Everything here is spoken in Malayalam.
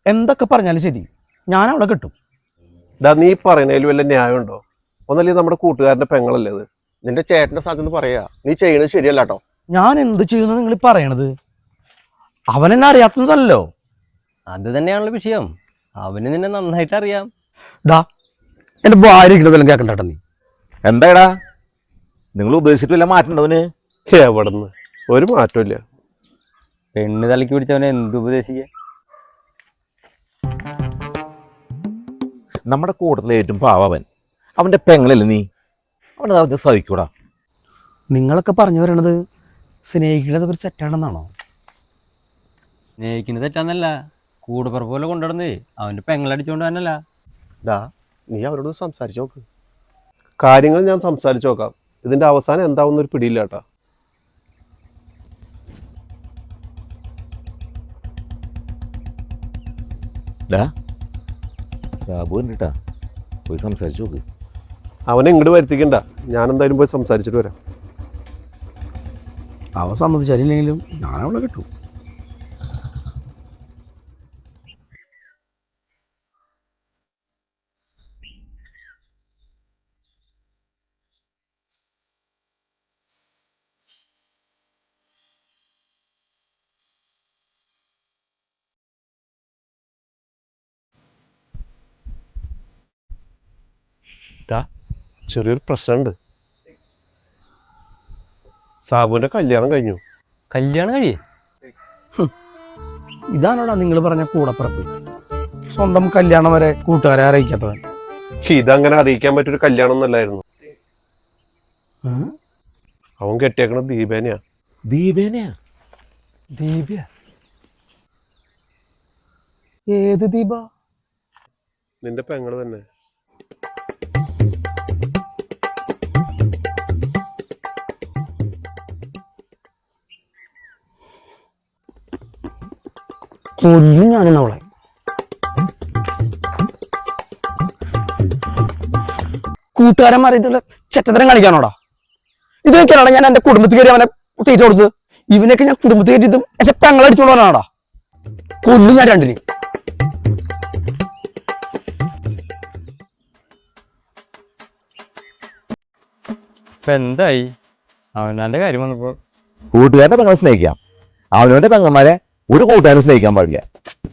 എന്തൊക്കെ പറഞ്ഞാലും ശരി ഞാൻ അവിടെ കിട്ടും. നീ പറയുന്നതിൽ വല്ല ന്യായമുണ്ടോ? ഒന്നല്ലേ നമ്മുടെ കൂട്ടുകാരന്റെ പെങ്ങളല്ലേ അത്? നിന്റെ ചേട്ടന്റെ സാധ്യത പറയാ, നീ ചെയ്യണത് ശരിയല്ല കേട്ടോ. ഞാൻ എന്ത് ചെയ്യുന്നു നിങ്ങൾ പറയണത്? അവൻ എന്നെ അറിയാത്തതല്ലോ. അത് തന്നെയാണല്ലോ വിഷയം. അവന് നിന്നെ നന്നായിട്ട് അറിയാം. ഡാ എന്റെ ഭാര്യ കേൾക്കണ്ട നീ. എന്താടാ നിങ്ങൾ ഉപദേശിച്ചിട്ട് വല്ല മാറ്റണ്ടവന്? എവിടെന്ന് ഒരു മാറ്റമില്ല. പെണ്ണ് തലയ്ക്ക് പിടിച്ചവനെ എന്ത് ഉപദേശിക്ക? നമ്മുടെ കൂട്ടത്തിലെ ഏറ്റവും പാവൻ അവന്റെ പെങ്ങളല്ലേ നീ? അവനെ നടത്തി സാധിക്കൂടാ. നിങ്ങളൊക്കെ പറഞ്ഞു വരണത് സ്നേഹിക്കുന്നത് ഒരു തെറ്റാണെന്നാണോ? സ്നേഹിക്കുന്നത് തെറ്റാന്നല്ല, കൂടപ്പുറപ്പ് പോലെ കൊണ്ടുവരുന്നേ അവന്റെ പെങ്ങളടിച്ചോണ്ട് തന്നല്ല. നീ അവരോട് സംസാരിച്ചു നോക്ക്. കാര്യങ്ങൾ ഞാൻ സംസാരിച്ചു നോക്കാം. ഇതിന്റെ അവസാനം എന്താവുന്ന ഒരു പിടിയില്ല കേട്ടാ. സാബു കണ്ടിട്ടാ, പോയി സംസാരിച്ചു നോക്ക്. അവനെ ഇങ്ങോട്ട് വരുത്തിക്കണ്ട, ഞാൻ എന്തായാലും പോയി സംസാരിച്ചിട്ട് വരാം. അവ സമ്മതിച്ചാലില്ലെങ്കിലും ഞാനവിടെ കിട്ടും. ചെറിയൊരു പ്രശ്നമുണ്ട്. സാബുവിന്റെ കല്യാണം കഴിഞ്ഞു. കല്യാണം കഴിയേ? ഇതാണോടാ നിങ്ങൾ പറഞ്ഞ കൂടപ്പിറപ്പ്? സ്വന്തം കല്യാണം വരെ കൂട്ടുകാരെ അറിയിക്കാത്തവൻ. ഇതങ്ങനെ അറിയിക്കാൻ പറ്റൊരു കല്യാണം ഒന്നല്ലായിരുന്നു. അവൻ കെട്ടിയേക്കണത് ദീപേനെയാ. ദീപേനെയാ? ദീപ? ഏത് ദീപ? നിന്റെ പെങ്ങള് തന്നെ. കൊല്ലും ഞാനെന്നവളെ. കൂട്ടുകാരന്മാർ ഇതുള്ള ചെറ്റത്തരം കാണിക്കാനോടാ? ഇത് വെക്കാനാണ് ഞാൻ എന്റെ കുടുംബത്തിൽ കയറി അവനെ തീറ്റ കൊടുത്തത്. ഇവനൊക്കെ ഞാൻ കുടുംബത്തിൽ കയറ്റിയതും എന്റെ പെങ്ങളടിച്ചോളാനാടാ. കൊല്ലും ഞാൻ രണ്ടിനും. ഇപ്പൊ എന്തായി? അവനാന്റെ കാര്യം വന്നപ്പോ കൂട്ടുകാരന്റെ പെങ്ങളെ സ്നേഹിക്കാം, അവനവന്റെ പെങ്ങന്മാരെ ഒരു കൂട്ടുകാരനും സ്നേഹിക്കാൻ പാടില്ല.